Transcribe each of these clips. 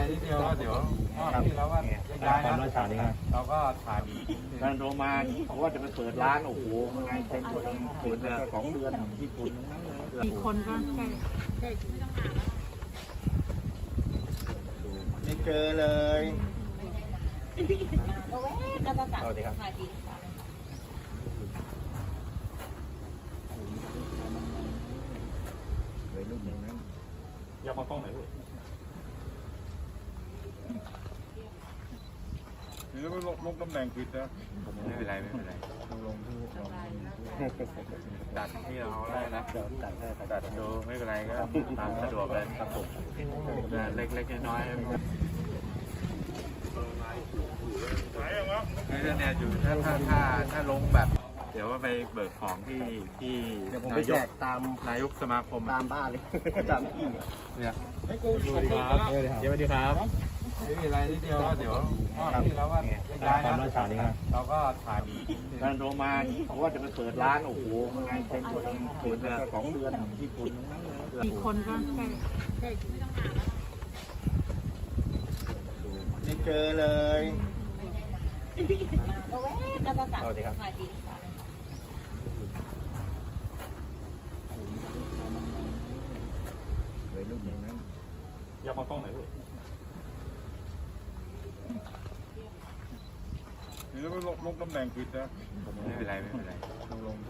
นิดเดียวก็เดี๋ยวที่เราก็ย้ายนะเราก็ถ่ายการโทรมาเขาว่าจะไปเปิดร้านโอ้โหไงเต็มหมดเลยเปิดมา2 เดือนญี่ปุ่นทั้งนั้นเลยกี่คนก็ใกล้ไม่เจอเลยสวัสดีครับเลยลูกอย่างนั้นอยากมากล้องไหนลูกหรือลงตำแหน่งผิดนะไม่เป็นไรลงตัดที่เราได้นะตัดดูไม่เป็นไรก็ตามสะดวกเลยครับผมเล็กๆน้อยๆคือเนี่ยอยู่ถ้าลงแบบ เดี๋ยวว่าไปเบิกของที่เดี๋ยวผมไปแจกตามนายกสมาคมตามบ้านเลยตามที่เนี่ยสวัสดีครับสวัสดีครับไม่มีอะไรนิดเดียวก็เดี๋ยวที่เราก็ย้ายนะเราก็ถ่ายการโทรมาเขาว่าจะไปเปิดร้านโอ้โหไงเต็มหมดเลยเปิดมา2 เดือนญี่ปุ่นทั้งนั้นเลยกี่คนก็ใกล้ไม่เจอเลยสวัสดีครับเลยลูกอย่างนั้นอยากมากล้องไหนลูกหรือลงตำแหน่งผิดนะไม่เป็นไรลง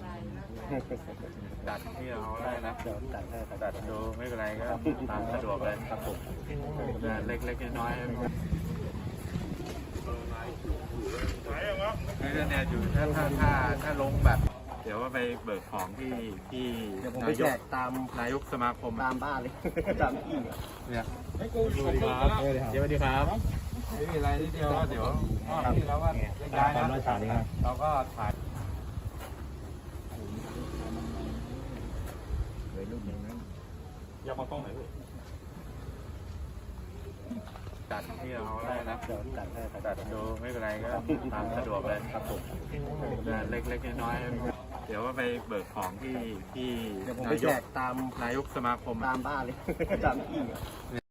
ตัดที่เราได้นะตัดดูไม่เป็นไรก็ตามสะดวกเลยครับผมเล็กๆน้อยๆคือเนี่ยอยู่ถ้าลงแบบ เดี๋ยวว่าไปเบิกของที่เดี๋ยวผมไปแจกตามนายกสมาคมตามบ้านเลยตามที่เนี่ยสวัสดีครับสวัสดีครับไม่มีอะไรนิดเดียวก็เดี๋ยวที่เราก็ย้ายนะเราก็ถ่ายเลยลูกอย่างนั้นอยากมากล้องไหนลูกตัดที่เราได้นะตัดดูไม่เป็นไรก็ตามสะดวกเลยครับผมเล็กๆน้อยๆเดี๋ยวว่าไปเบิกของที่เดี๋ยวผมไปแจกตามนายกสมาคมตามบ้านเลยตามที่